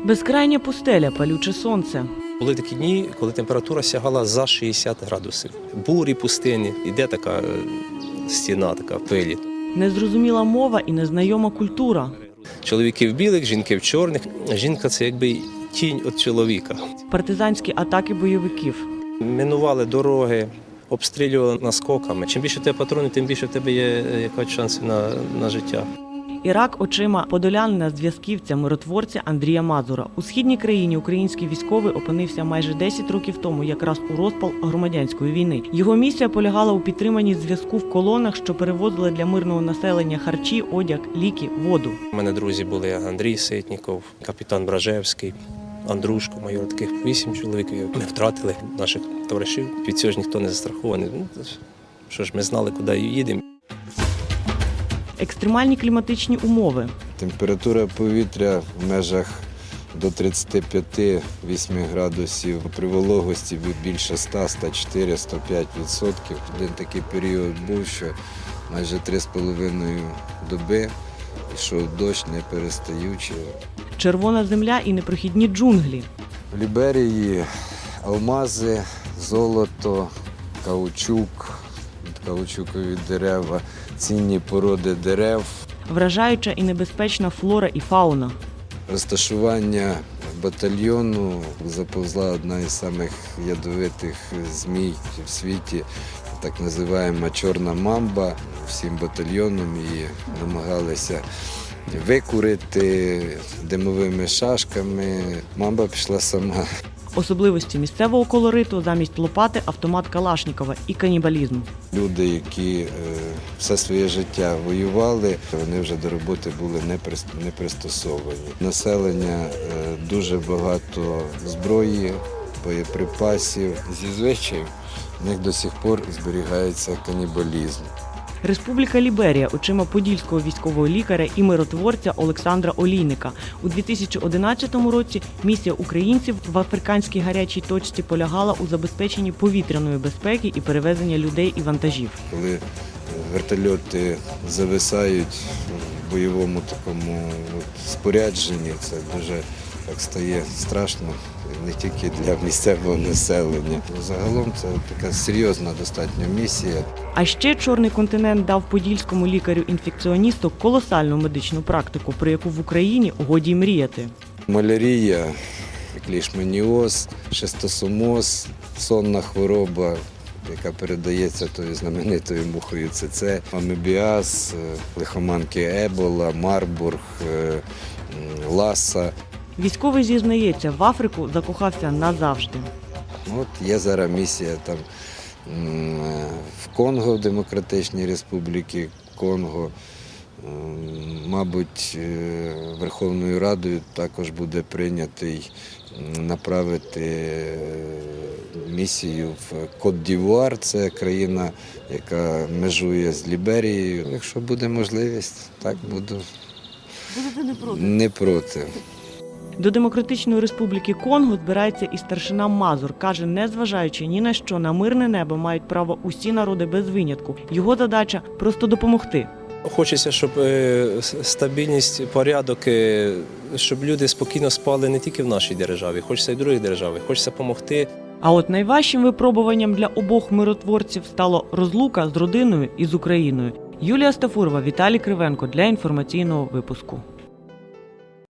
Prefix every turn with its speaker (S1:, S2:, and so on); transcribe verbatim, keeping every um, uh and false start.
S1: Безкрайня пустеля, палюче сонце.
S2: Були такі дні, коли температура сягала за шістдесят градусів. Бурі пустині, іде така е, стіна, така пилі.
S1: Незрозуміла мова і незнайома культура.
S2: Чоловіки в білих, жінки в чорних. Жінка – це якби тінь від чоловіка.
S1: Партизанські атаки бойовиків.
S2: Минували дороги, обстрілювали наскоками. Чим більше в тебе патронів, тим більше в тебе є якась шанси на, на життя.
S1: Ірак очима подолянина зв'язківця, миротворця Андрія Мазура. У східній країні український військовий опинився майже десять років тому, якраз у розпал громадянської війни. Його місія полягала у підтриманні зв'язку в колонах, що перевозили для мирного населення харчі, одяг, ліки, воду.
S2: У мене друзі були Андрій Ситніков, капітан Бражевський, Андрушко, майор, таких вісім чоловік. Ми втратили наших товаришів. Від цього ж ніхто не застрахований. Ну, що ж, ми знали, куди їдемо.
S1: Екстремальні кліматичні умови.
S3: Температура повітря в межах до тридцяти п'яти - восьми градусів. При вологості більше ста, ста чотири - ста п'ять відсотків. Один такий період був, що майже три з половиною доби йшов дощ не перестаючи.
S1: Червона земля і непрохідні джунглі.
S3: В Ліберії алмази, золото, каучук, каучукові дерева, цінні породи дерев.
S1: Вражаюча і небезпечна флора і фауна.
S3: Розташування батальйону заповзла одна із самих ядовитих змій в світі, так називаємо чорна мамба. Всім батальйоном її намагалися викурити димовими шашками. Мамба пішла сама.
S1: Особливості місцевого колориту замість лопати автомат Калашнікова і канібалізм.
S3: Люди, які е, все своє життя воювали, вони вже до роботи були не пристосовані. Населення е, дуже багато зброї, боєприпасів. Зі звичаїв в них до сих пор зберігається канібалізм.
S1: Республіка Ліберія очима подільського військового лікаря і миротворця Олександра Олійника. У дві тисячі одинадцятому році місія українців в африканській гарячій точці полягала у забезпеченні повітряної безпеки і перевезення людей і вантажів.
S3: Коли вертольоти зависають в бойовому такому от спорядженні, це дуже так стає страшно, не тільки для місцевого населення. Загалом це така серйозна достатньо місія.
S1: А ще Чорний континент дав подільському лікарю-інфекціоністу колосальну медичну практику, про яку в Україні годі й мріяти.
S3: Малярія, лішманіоз, шистосомоз, сонна хвороба, яка передається тою знаменитою мухою ЦЦ, амебіаз, лихоманки Ебола, Марбург, Ласа.
S1: Військовий зізнається, в Африку закохався назавжди.
S3: От є зараз місія там в Конго, в Демократичній Республіці Конго. Мабуть, Верховною Радою також буде прийнятий направити місію в Кот-д'Івуар. Це країна, яка межує з Ліберією. Якщо буде можливість, так буду.
S1: Будете не проти?
S3: Не проти.
S1: До Демократичної Республіки Конго збирається і старшина Мазур. Каже, незважаючи ні на що, на мирне небо мають право усі народи без винятку. Його задача – просто допомогти.
S2: Хочеться, щоб стабільність, порядок, щоб люди спокійно спали не тільки в нашій державі, хочеться і в другій державі, хочеться допомогти.
S1: А от найважчим випробуванням для обох миротворців стало розлука з родиною і з Україною. Юлія Стафурова, Віталій Кривенко для інформаційного випуску.